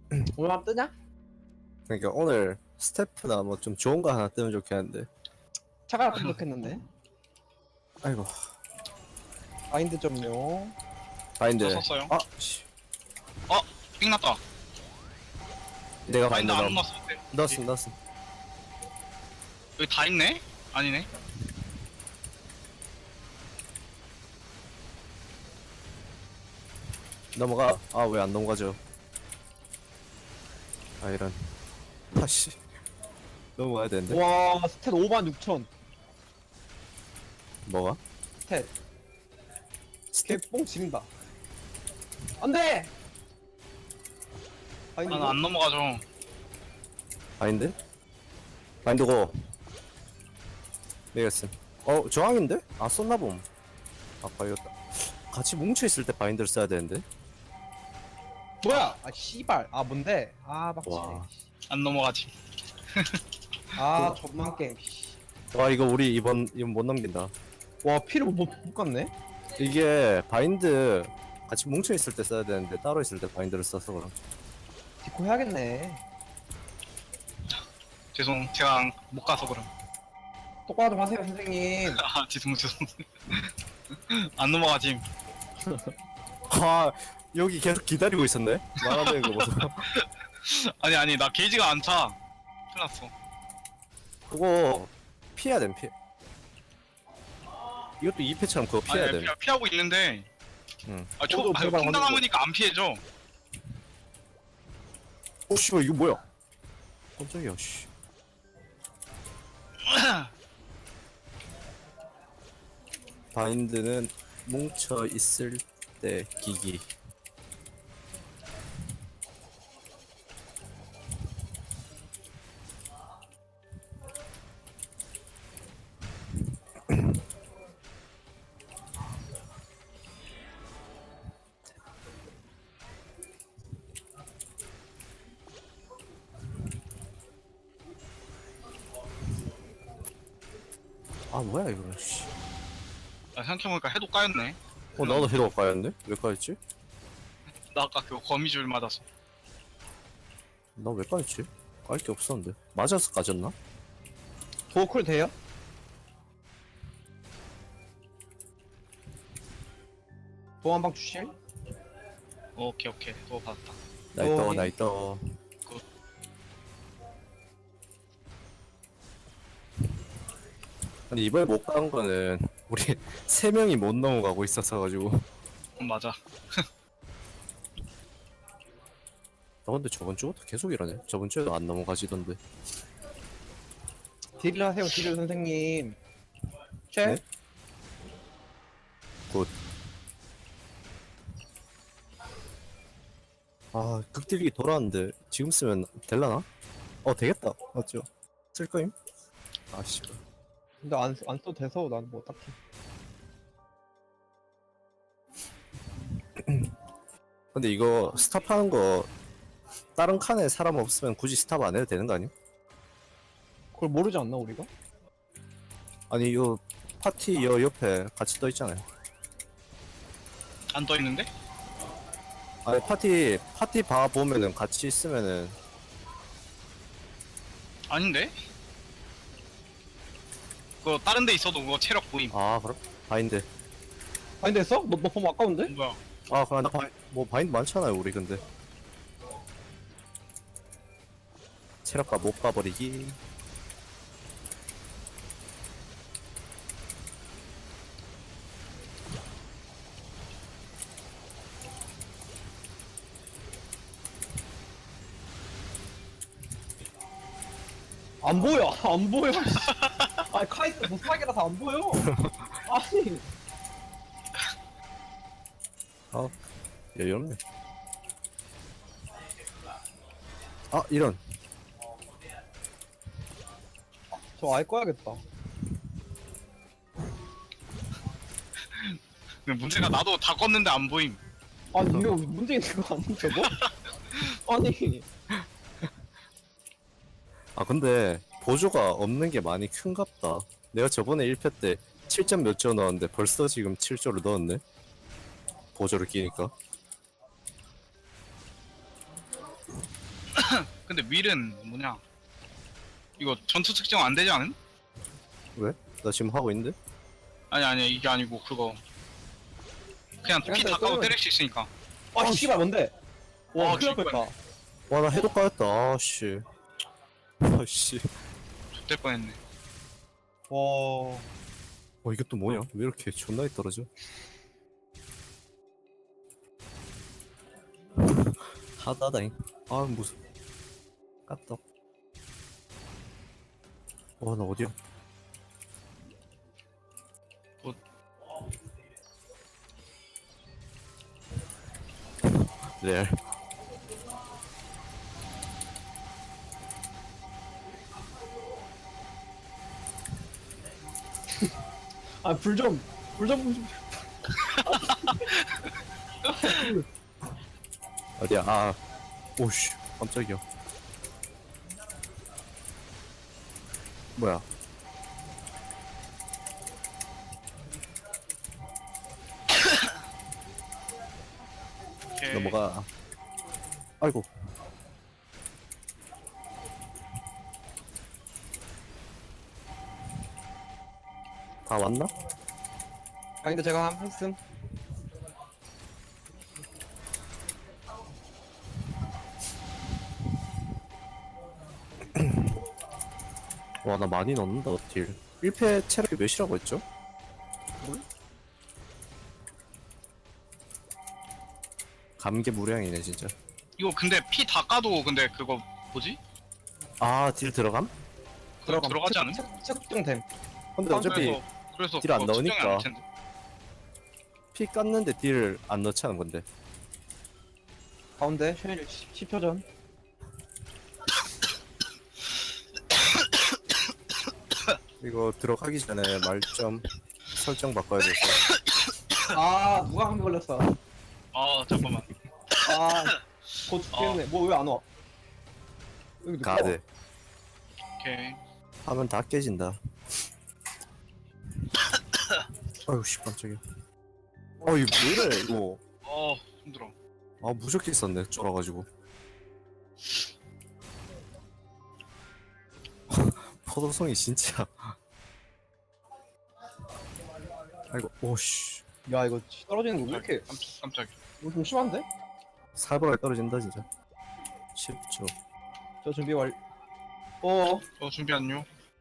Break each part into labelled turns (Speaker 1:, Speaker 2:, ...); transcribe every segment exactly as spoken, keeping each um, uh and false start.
Speaker 1: 오늘 밤 뜨냐?
Speaker 2: 그러니까 오늘 스태프나 뭐 좀 좋은 거 하나 뜨면 좋겠는데.
Speaker 1: 차가 깜빡했는데.
Speaker 2: 아이고.
Speaker 1: 마인드 좀요.
Speaker 2: 바인드.
Speaker 3: 저 썼어요.
Speaker 2: 아, 씨.
Speaker 3: 어, 삥 났다.
Speaker 2: 내가
Speaker 3: 바인드
Speaker 2: 바인드
Speaker 3: 안
Speaker 2: 넣어.
Speaker 3: 넣었어. 네.
Speaker 2: 넣었음, 넣었음.
Speaker 3: 여기 다 있네? 아니네.
Speaker 2: 넘어가. 아, 왜 안 넘어가죠? 아, 이런. 아씨. 넘어가야 되는데.
Speaker 1: 와, 스탯 오만 육천.
Speaker 2: 뭐가?
Speaker 1: 스탯. 개뽕 지린다. 안 돼! 마인드.
Speaker 3: 나는 안 넘어가죠.
Speaker 2: 바인드? 바인드고. 내겠음. 어, 저항인데? 아, 썼나봄. 아까 이거 같이 뭉쳐있을 때 바인드를 써야 되는데.
Speaker 1: 뭐야? 아, 씨발. 아, 뭔데? 아, 막치네.
Speaker 2: 와.
Speaker 3: 안 넘어가지.
Speaker 1: 아, 존만 게임. 씨.
Speaker 2: 와, 이거 우리 이번, 이번 못 넘긴다.
Speaker 1: 와, 피를 못, 못 갔네?
Speaker 2: 이게 바인드 같이 뭉쳐있을 때 써야 되는데 따로 있을 때 바인드를 써서 그럼.
Speaker 1: 디코 해야겠네.
Speaker 3: 죄송, 제가 못 가서 그럼.
Speaker 1: 똑바로 좀 하세요, 선생님.
Speaker 3: 아, 죄송, 죄송. 안 넘어가지.
Speaker 2: 아, 여기 계속 기다리고 있었네? 말하는 거 보소.
Speaker 3: 아니, 아니, 나 게이지가 안 차. 큰일 났어.
Speaker 2: 그거 피해야 됨, 피해. 이것도 이 패처럼 그거 피해야
Speaker 3: 아니,
Speaker 2: 됨.
Speaker 3: 피, 피하고 있는데.
Speaker 2: 응.
Speaker 3: 아, 초,
Speaker 1: 저도
Speaker 3: 아,
Speaker 1: 제발
Speaker 3: 콩당
Speaker 1: 완전-
Speaker 3: 남으니까 안 피해줘.
Speaker 2: 오, 씨발, 이거 뭐야? 깜짝이야, 씨. 바인드는 뭉쳐있을 때 기기. 아, 뭐야, 이거, 씨.
Speaker 3: 아, 생각해보니까 해도 까였네.
Speaker 2: 어, 나도 헤드가 까였는데? 왜 까였지?
Speaker 3: 나 아까 그 거미줄 맞아서.
Speaker 2: 나 왜 까였지? 깔 게 없었는데. 맞아서 까졌나?
Speaker 1: 도어쿨 돼요? 도어 한방 주실?
Speaker 3: 오케이, 오케이. 또 받았다.
Speaker 2: 나이떠,
Speaker 1: 어,
Speaker 2: 나이떠.
Speaker 3: 굿.
Speaker 2: 근데 이번에 못 간 거는 우리 세 명이 못 넘어가고 있었어 가지고.
Speaker 3: 음, 맞아.
Speaker 2: 나 근데 저번 주부터 계속 이러네. 저번 주에도 안 넘어가지던데.
Speaker 1: 딜을 하세요, 딜을 선생님. 쉐?
Speaker 2: 네? 굿. 아, 극딜기 돌아왔는데 지금 쓰면 될라나? 어, 되겠다. 맞죠? 쓸 거임? 아, 씨.
Speaker 1: 근데 안, 안 써도 돼서 난 뭐 딱히.
Speaker 2: 근데 이거 스탑하는 거 다른 칸에 사람 없으면 굳이 스탑 안 해도 되는 거 아니야?
Speaker 1: 그걸 모르지 않나, 우리가?
Speaker 2: 아니, 요 파티 여 옆에 같이 떠 있잖아요.
Speaker 3: 안 떠 있는데?
Speaker 2: 아니, 파티 파티 봐 보면은 같이 있으면은
Speaker 3: 아닌데? 그거 다른 데 있어도 그거 체력 보임.
Speaker 2: 아, 그럼 바인드.
Speaker 1: 아니, 됐어? 너, 너 보면 아까운데?
Speaker 3: 뭐야?
Speaker 2: 아, 그럼 나 바인, 뭐 바인드 많잖아요, 우리 근데. 체력가 못 가버리기.
Speaker 1: 안 보여, 안 보여. 씨. 아니, 카이스 보스막이라서 안 보여. 아니,
Speaker 2: 아, 여유롭네. 아, 이런.
Speaker 1: 저 아예 꺼야겠다.
Speaker 3: 근데 문제가 나도 다 껐는데 안 보임.
Speaker 1: 아니, 이거 문제 있는 거 아니, 저거? 아니,
Speaker 2: 아, 근데 보조가 없는 게 많이 큰갑다. 내가 저번에 일 패 때 칠 점 몇 조 넣었는데 벌써 지금 칠 조를 넣었네. 보조를 끼니까.
Speaker 3: 근데 윌은 뭐냐? 이거 전투 특정 안 되지 않은?
Speaker 2: 왜? 나 지금 하고 있는데?
Speaker 3: 아니 아니 이게 아니고 그거 그냥 피 다 까고 때릴 수 있으니까.
Speaker 1: 아 씨발 뭔데? 와
Speaker 3: 아,
Speaker 1: 큰일 날
Speaker 3: 씨발.
Speaker 1: 뻔했다.
Speaker 2: 와 나 해독 가였다. 아씨. 아씨.
Speaker 3: X될 뻔했네.
Speaker 1: 와.
Speaker 2: 어 이게 또 뭐냐? 왜 이렇게 존나게 떨어져? 하다다잉. 아 무슨 깠다. 와나 어디야?
Speaker 3: 어.
Speaker 2: 레알.
Speaker 1: 아불 좀. 불 좀. 좀.
Speaker 2: 어디야? 아. 오씨. 깜짝이야. 뭐야?
Speaker 3: 오케이.
Speaker 2: 넘어가. 아이고. 다 왔나?
Speaker 1: 아 근데 제가 한 했음.
Speaker 2: 와, 나 많이 넣는다, 딜. 일 패 체력이 몇이라고 했죠? 감개무량이네, 진짜.
Speaker 3: 이거 근데 피 다 까도 근데 그거 뭐지?
Speaker 2: 아, 딜 들어감?
Speaker 3: 그거 들어가지 않은?
Speaker 1: 측정됨.
Speaker 2: 근데 어차피
Speaker 3: 그래서 그래서
Speaker 2: 딜안
Speaker 3: 그거 측정이
Speaker 2: 넣으니까.
Speaker 3: 아닐 텐데.
Speaker 2: 피 깠는데 딜 안 넣자는 건데.
Speaker 1: 가운데 쉐일 십 초 전.
Speaker 2: 이거 들어가기 전에 말 좀 설정 바꿔야 돼서.
Speaker 1: 아 누가 감기 걸렸어.
Speaker 3: 아 잠깐만.
Speaker 1: 아곧 죽겠네. 뭐 왜 안 와? 여기 누가
Speaker 2: 가드.
Speaker 3: 오케이.
Speaker 2: 하면 다 깨진다. 아유, 씨, 깜짝이야. 어, 이거 왜 이래, 이거.
Speaker 3: 어 힘들어.
Speaker 2: 아, 무적기 썼네, 쫄아가지고. 포도성이 진짜. 아이고, 오씨.
Speaker 1: 와? 야 이거 떨어지는 거 왜 이렇게
Speaker 3: 깜, 깜짝이야.
Speaker 1: 이거 좀 심한데?
Speaker 2: 살벌하게 떨어진다, 진짜. 십 초.
Speaker 1: 저 준비 완. 어.
Speaker 3: 어 준비 완료.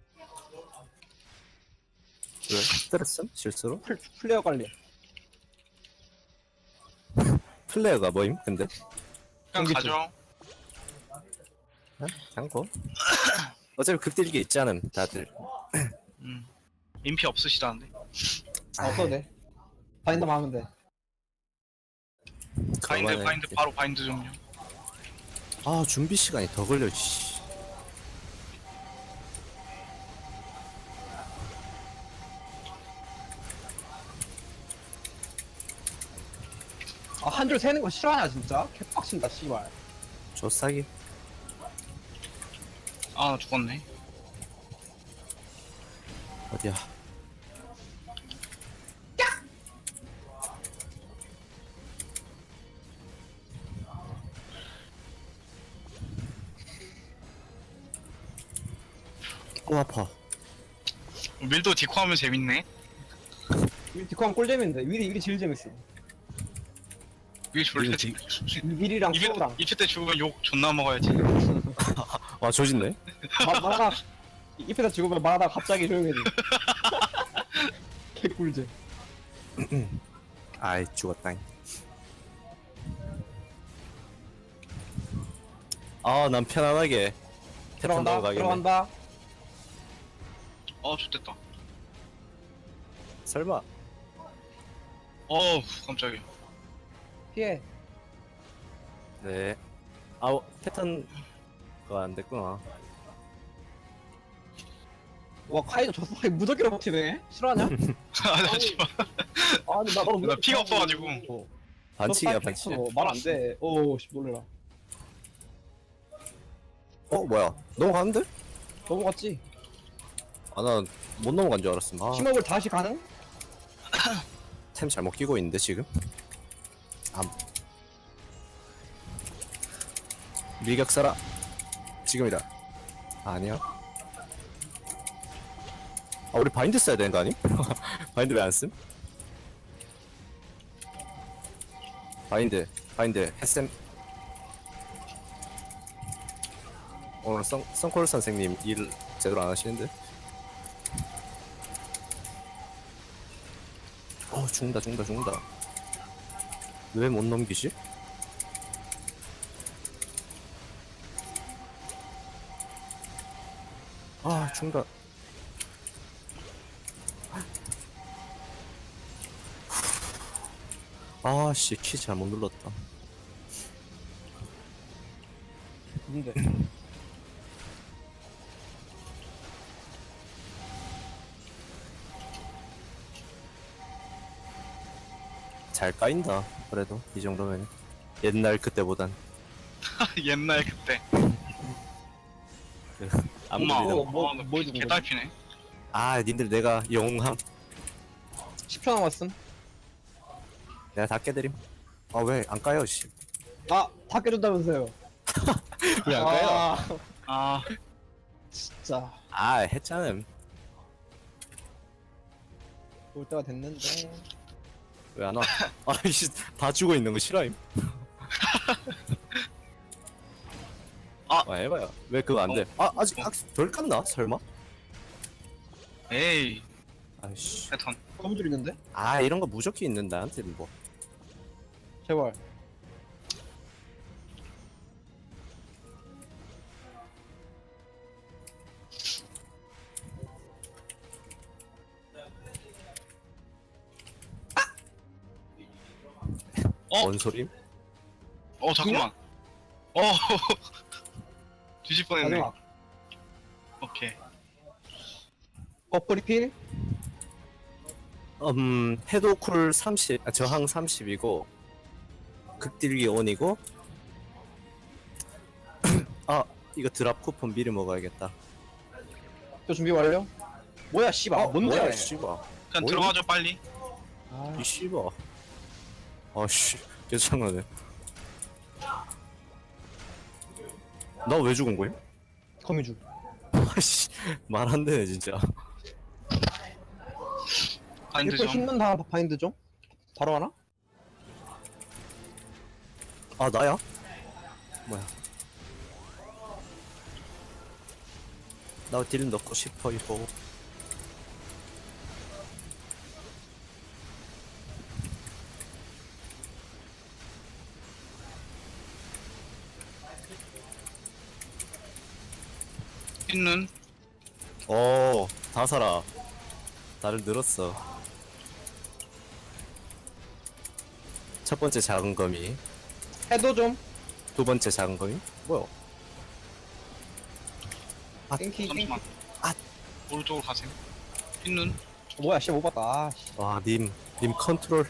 Speaker 2: 왜? 스트레스? 실수로?
Speaker 1: 플, 플레이어 관리.
Speaker 2: 플레이어가 뭐임, 근데?
Speaker 3: 그냥
Speaker 1: 전기줄.
Speaker 3: 가죠.
Speaker 2: 어? 장고? 어차피 극딜기 있지 않음, 다들.
Speaker 3: 음. 인피 없으시다는데.
Speaker 1: 아, 없어도 돼. 바인더만 하면 돼.
Speaker 3: 바인드
Speaker 2: 그만해.
Speaker 3: 바인드 바로 바인드 좀요.
Speaker 2: 아, 준비 시간이 더 걸려, 씨.
Speaker 1: 아, 한 줄 세는 거 싫어하냐, 진짜? 개빡친다, 씨발.
Speaker 2: 조싸기.
Speaker 3: 아 나 죽었네.
Speaker 2: 어디야? 오, 아파.
Speaker 3: 밀도 디코하면 재밌네.
Speaker 1: 윌 디코하면 꿀잼인데, 윌이, 윌이 제일 재밌어.
Speaker 3: 밀 졸라
Speaker 2: 밀
Speaker 3: 재밌.
Speaker 1: 윌이랑
Speaker 3: 이fe
Speaker 1: 수호랑.
Speaker 3: 이fe 때 죽으면 욕 존나 먹어야지.
Speaker 2: 아, 조진네?
Speaker 1: 마, 말하다, 입에다 죽으면 말하다가 갑자기 조용해지. 개꿀잼.
Speaker 2: 아이, 죽었다잉. 아, 난 편안하게. 태풍
Speaker 1: 들어간다,
Speaker 2: 넘어가겠네.
Speaker 1: 들어간다.
Speaker 3: 어 좋됐다.
Speaker 2: 설마.
Speaker 3: 어우 깜짝이야.
Speaker 1: 피해.
Speaker 2: 네. 아우, 패턴가 안 됐구나.
Speaker 1: 와, 카이도 저 사이 무적기로 버티네? 싫어하냐?
Speaker 3: 아나 씨발.
Speaker 1: 아니, 나 너무
Speaker 3: 나 피가 없어가지고.
Speaker 1: 어,
Speaker 2: 반칙이야, 반칙.
Speaker 1: 말안 돼. 오, 씨, 놀래라.
Speaker 2: 어, 뭐야? 넘어가는데?
Speaker 1: 넘어갔지?
Speaker 2: 아, 나 못 넘어간 줄 알았음. 아,
Speaker 1: 심업을 다시 가능?
Speaker 2: 템 잘못 끼고 있는데, 지금? 아. 밀격사라. 지금이다. 아니야. 아 우리 바인드 써야 되는 거 아니? 바인드 왜 안 쓴? 바인드 바인드 햇쌤 오늘 썬, 썬콜 선생님 일 제대로 안 하시는데? 어 죽는다 죽는다 죽는다 왜 못 넘기지? 아 죽는다 아씨 키 잘못 눌렀다
Speaker 1: 근데
Speaker 2: 잘 까인다 그래도 이 정도면 옛날 그때보단
Speaker 3: 옛날 그때.
Speaker 2: 아무리
Speaker 3: 엄마,
Speaker 2: 도
Speaker 1: 뭐, 뭐,
Speaker 3: 어,
Speaker 1: 뭐
Speaker 3: 뭐
Speaker 1: 해준 거지?
Speaker 3: 개딸피네.
Speaker 2: 아 님들 내가 영웅함
Speaker 1: 십 초 남았음.
Speaker 2: 내가 다 깨드림 아 왜 안 까요 씨
Speaker 1: 아, 다 깨준다면서요.
Speaker 2: 왜 안 까요?
Speaker 1: 아,
Speaker 3: 아,
Speaker 1: 진짜.
Speaker 2: 아 했잖음
Speaker 1: 올 때가 됐는데.
Speaker 2: 왜 안 와? 아이씨 다 죽어 있는 거 싫어임
Speaker 3: 아.
Speaker 2: 아 해봐요 왜 그거 안돼 아 아직 아, 덜 깠나 설마?
Speaker 3: 에이,
Speaker 2: 아이씨
Speaker 3: 패턴.
Speaker 1: 거미줄 있는데?
Speaker 2: 아 이런 거 무조건 있는 나한테 뭐
Speaker 1: 제발.
Speaker 3: 어?
Speaker 2: 뭔 소림?
Speaker 3: 어, 잠깐만. 어, 뒤질 뻔했네.
Speaker 1: 마지막.
Speaker 3: 오케이.
Speaker 1: 버프 리필?
Speaker 2: 음 해도쿨 삼십 아, 저항 삼십이고 극딜기 온이고 아 이거 드랍 쿠폰 미리 먹어야겠다
Speaker 1: 또 준비 완료? 뭐야, 씨발. 아, 뭔데?
Speaker 2: 뭐야 씨발
Speaker 3: 그냥
Speaker 2: 뭐야?
Speaker 3: 들어가죠, 빨리.
Speaker 1: 아,
Speaker 2: 이 씨발 아씨 괜찮네 나 왜 죽은 거야?
Speaker 1: 거미줄.
Speaker 2: 아씨 말 안 되네 진짜
Speaker 3: 바인드
Speaker 1: 일단
Speaker 3: 좀.
Speaker 1: 힘든 다 바인드 좀? 바로 하나?
Speaker 2: 아 나야? 뭐야 나 딜 넣고 싶어 이거
Speaker 3: 있는.
Speaker 2: 어다 살아 나를 늘었어 첫 번째 작은 거미
Speaker 1: 해도 좀.
Speaker 2: 두 번째 작은 거미 뭐야 아,
Speaker 1: 땡키, 땡키.
Speaker 3: 잠시만.
Speaker 2: 아.
Speaker 3: 오른쪽으로 가세요. 있는.
Speaker 1: 뭐야, 씨, 못 봤다. 아, 씨.
Speaker 2: 와님 님 컨트롤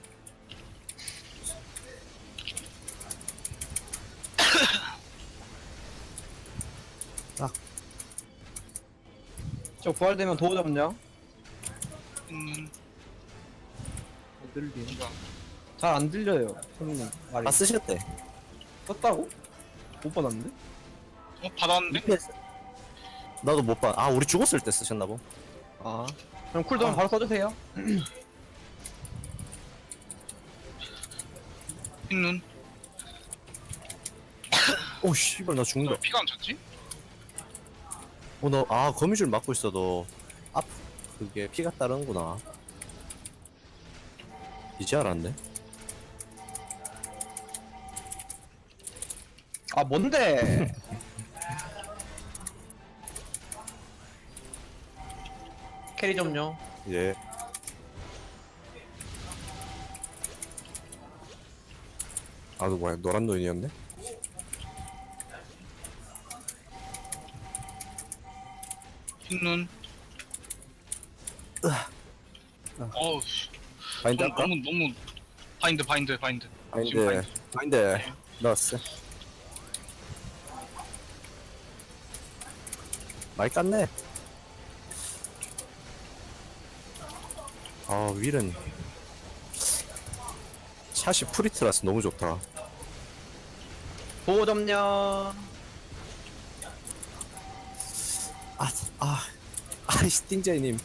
Speaker 1: 저 부활되면 도우 잡냐?
Speaker 3: 있는.
Speaker 1: 안 들리.
Speaker 3: 이거.
Speaker 1: 잘 안 들려요, 손님 말이.
Speaker 2: 다 쓰셨대
Speaker 1: 썼다고? 못 받았는데?
Speaker 3: 어, 받았는데?
Speaker 2: 나도 못봐아 우리 죽었을 때 쓰셨나보
Speaker 1: 아. 그럼 쿨다운
Speaker 2: 아.
Speaker 1: 바로 써주세요.
Speaker 3: 있는.
Speaker 2: 오 씨발 나 죽는다
Speaker 3: 너 피가 안 찼지?
Speaker 2: 어, 너, 아, 거미줄 맞고 있어도, 앞, 그게 피가 따르는구나. 이제 알았네.
Speaker 1: 아, 뭔데? 캐리 좀요.
Speaker 2: 예. 아, 너 뭐야, 노란 노인이었네?
Speaker 3: 있는. 어우,
Speaker 2: 바인드
Speaker 3: 너무,
Speaker 2: 할까?
Speaker 3: 너무, 너무. 바인드, 바인드, 바인드. 지금
Speaker 2: 바인드, 바인드, 넣었어. 많이 깠네. 아, 윌은 샷이 프리트라서 너무 좋다.
Speaker 1: 도우 점령.
Speaker 2: 아, 아, 아이씨, 띵자이님.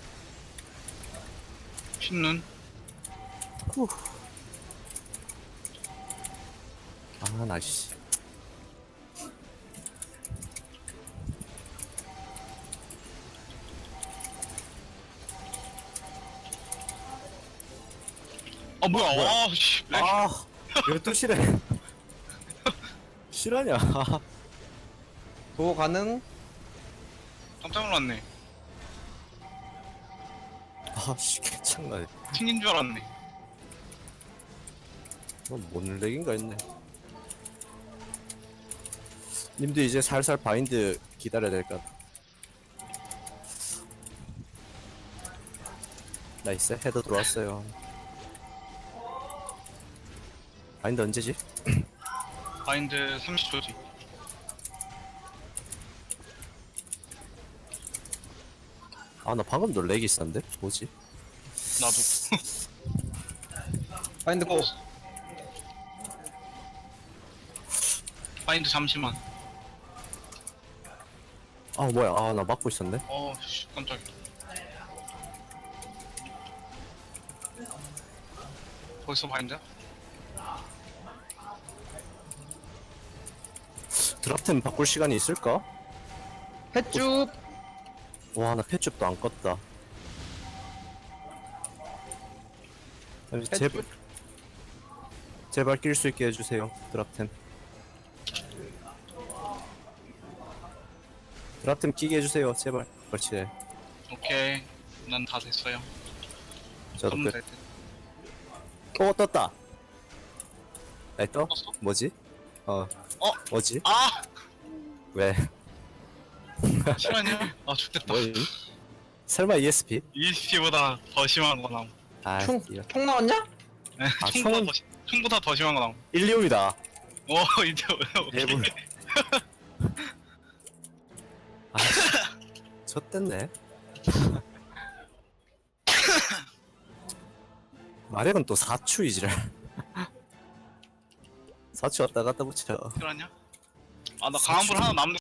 Speaker 3: 신눈.
Speaker 2: 후. 아, 나, 씨.
Speaker 3: 아 뭐야?
Speaker 2: 뭐야?
Speaker 3: 아 씨. 렉.
Speaker 2: 아, 열두 시래. 실화냐?
Speaker 1: 도어 가능?
Speaker 3: 깜짝 놀랐네.
Speaker 2: 아, 씨, 개창나네.
Speaker 3: 튕긴 줄 알았네.
Speaker 2: 뭔 렉인가 했네. 님도 이제 살살 바인드 기다려야 될 것 같아. 나이스, 헤더 들어왔어요. 바인드 언제지?
Speaker 3: 바인드 삼십 초지.
Speaker 2: 아, 나 방금도 렉이 있었는데? 뭐지?
Speaker 3: 나도.
Speaker 1: 바인드 고.
Speaker 3: 바인드 잠시만.
Speaker 2: 아, 뭐야. 아, 나 막고 있었네.
Speaker 3: 어, 씨, 깜짝이야. 벌써 바인드야?
Speaker 2: 드랍템 바꿀 시간이 있을까?
Speaker 1: 횟쭉.
Speaker 2: 와, 나 펫줍도 안 껐다. 아니, 제발, 제발 낄 수 있게 해주세요. 드랍템. 드랍템 끼게 해주세요. 제발. 그렇지.
Speaker 3: 오케이. 난 다 됐어요.
Speaker 2: 저도
Speaker 3: 선물
Speaker 2: 끝.
Speaker 3: 될 듯.
Speaker 2: 오, 떴다. 나이 떠?
Speaker 3: 떴어?
Speaker 2: 뭐지? 어.
Speaker 3: 어?
Speaker 2: 뭐지?
Speaker 3: 아!
Speaker 2: 왜?
Speaker 3: 실화냐? 아, 죽겠다.
Speaker 2: 뭐임? 설마 이에스피?
Speaker 3: 이에스피보다 더 심한 거 나옴.
Speaker 2: 아,
Speaker 1: 총,
Speaker 2: 이거.
Speaker 1: 총 나왔냐?
Speaker 3: 네,
Speaker 2: 아,
Speaker 3: 총보다,
Speaker 2: 총은-
Speaker 3: 더, 시- 총보다 더 심한 거 나옴.
Speaker 2: 일리움이다.
Speaker 3: 오, 이제, 오케이.
Speaker 2: 대불. 아, 졌댔네. 마력은 또 사추이지랄. 사추 왔다 갔다 붙여.
Speaker 3: 실화냐? 아, 나 강한불 하나 남는